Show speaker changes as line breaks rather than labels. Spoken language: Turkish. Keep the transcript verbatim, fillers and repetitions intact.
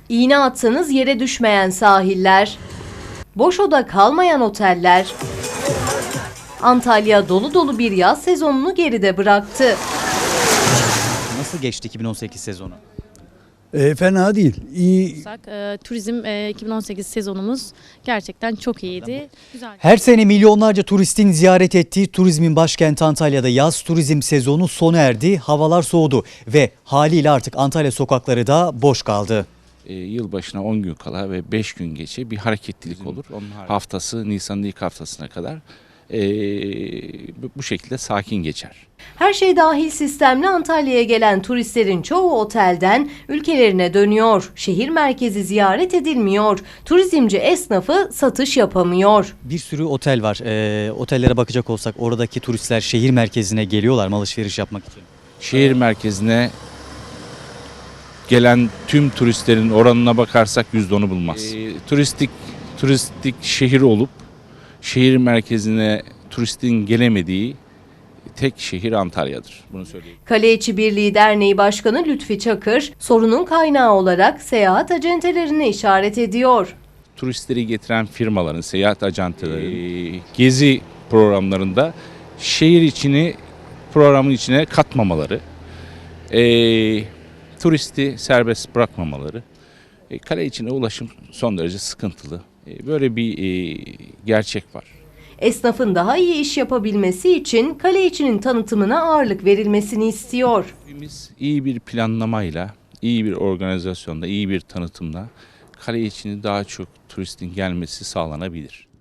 İğne atsanız yere düşmeyen sahiller, boş oda kalmayan oteller. Antalya dolu dolu bir yaz sezonunu geride bıraktı.
Nasıl geçti iki bin on sekiz sezonu?
E, fena değil. İyi.
E, turizm e, iki bin on sekiz sezonumuz gerçekten çok iyiydi. Güzel.
Her sene milyonlarca turistin ziyaret ettiği turizmin başkenti Antalya'da yaz turizm sezonu sona erdi. Havalar soğudu ve haliyle artık Antalya sokakları da boş kaldı.
E, yılbaşına on gün kala ve beş gün geçe bir hareketlilik olur. Onun haftası Nisan'ın ilk haftasına kadar e, bu şekilde sakin geçer.
Her şey dahil sistemle Antalya'ya gelen turistlerin çoğu otelden ülkelerine dönüyor. Şehir merkezi ziyaret edilmiyor. Turizmci esnafı satış yapamıyor.
Bir sürü otel var. Ee, otellere bakacak olsak oradaki turistler şehir merkezine geliyorlar mı alışveriş yapmak için?
Şehir merkezine gelen tüm turistlerin oranına bakarsak yüzde onu bulmaz. E, turistik turistik şehir olup şehir merkezine turistin gelemediği tek şehir Antalya'dır. Bunu söyleyeyim.
Kale İçi Birliği Derneği Başkanı Lütfi Çakır, sorunun kaynağı olarak seyahat acentelerini işaret ediyor.
Turistleri getiren firmaların, seyahat ajantaları, e, gezi programlarında şehir içini programın içine katmamaları, e, turisti serbest bırakmamaları, e, kale içine ulaşım son derece sıkıntılı. E, böyle bir e, gerçek var.
Esnafın daha iyi iş yapabilmesi için kale içinin tanıtımına ağırlık verilmesini istiyor.
Biz iyi bir planlamayla, iyi bir organizasyonda, iyi bir tanıtımla kale içini daha çok turistin gelmesi sağlanabilir.